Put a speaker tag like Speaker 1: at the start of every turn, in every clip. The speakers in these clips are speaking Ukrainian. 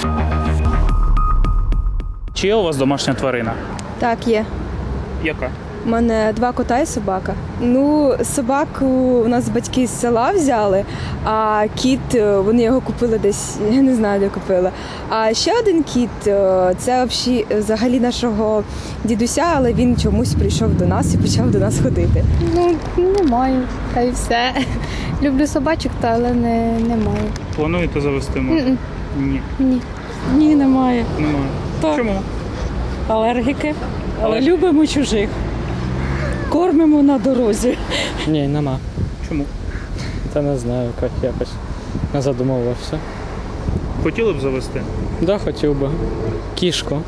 Speaker 1: Чи є у вас домашня тварина?
Speaker 2: Так, є.
Speaker 1: Яка?
Speaker 2: У мене 2 кота і собака. Ну, собаку у нас батьки з села взяли, а кіт, вони його купили десь, я не знаю, де купили. А ще один кіт, це взагалі нашого дідуся, але він чомусь прийшов до нас і почав до нас ходити.
Speaker 3: Ну, не маю, та й все. Люблю собачок, але не маю.
Speaker 1: Плануєте завести? Ні.
Speaker 3: Ні.
Speaker 4: Ні, немає.
Speaker 1: Немає.
Speaker 4: Так.
Speaker 1: Чому?
Speaker 4: Алергіки, але любимо чужих. Кормимо на дорозі.
Speaker 5: Ні, нема.
Speaker 1: Чому?
Speaker 5: Та не знаю, як якось не задумувався.
Speaker 1: Хотіли б завести?
Speaker 5: Да, хотів би. Кішку.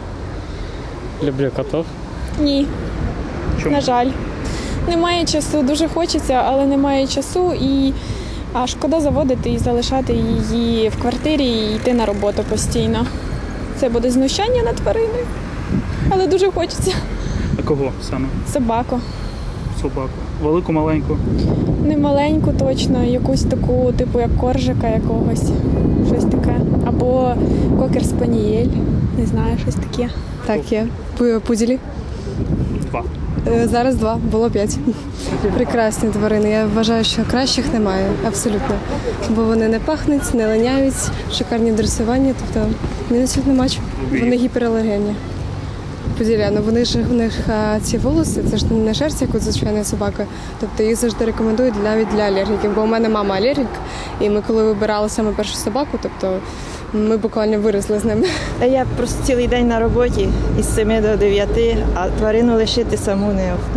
Speaker 5: Люблю котів.
Speaker 6: Ні,
Speaker 1: Чому?
Speaker 6: на жаль. Немає часу, дуже хочеться, але немає часу і шкода заводити і залишати її в квартирі і йти на роботу постійно. Це буде знущання над твариною, але дуже хочеться.
Speaker 1: А кого саме?
Speaker 6: Собаку.
Speaker 1: Собаку. Велику, маленьку?
Speaker 6: Не маленьку точно, якусь таку, типу як коржика якогось, щось таке. Або кокер-спанієль, не знаю, щось таке.
Speaker 2: Так, є. Пуділі.
Speaker 1: 2.
Speaker 2: Зараз 2, було 5. Прекрасні тварини. Я вважаю, що кращих немає, абсолютно. Бо вони не пахнуть, не линяють, шикарні дресування, тобто мінусів нема. Вони гіпералергенні. Поділя, ну вони ж у них ці волоси, це ж не шерсть, як у звичайної собаки. Тобто їх завжди рекомендують навіть для алергіків. Бо у мене мама алергік, і ми коли вибирали саме першу собаку, тобто ми буквально виросли з ними.
Speaker 7: Я просто цілий день на роботі із 7 до 9, а тварину лишити саму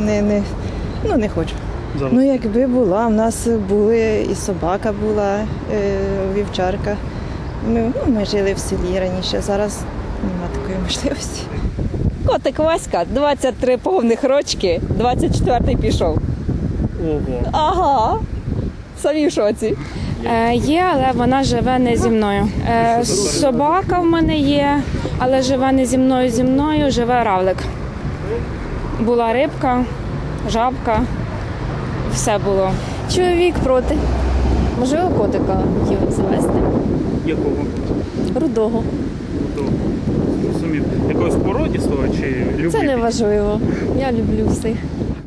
Speaker 7: не хочу. Ну, якби була, в нас були і собака була, вівчарка. Ми жили в селі раніше, зараз немає такої можливості.
Speaker 8: Котик Васька, 23 повних рочки, 24-й пішов.
Speaker 1: Ого.
Speaker 8: Ага, самі в шоці.
Speaker 3: Є, але вона живе не зі мною. Собака в мене є, але живе не зі мною живе равлик. Була рибка, жабка, все було.
Speaker 9: Чоловік проти. Можливо, котика хотів завести.
Speaker 1: Якого?
Speaker 9: Рудого.
Speaker 1: Зрозумів. Якогось породістого чи любителя?
Speaker 9: Це не важливо. Я люблю всіх.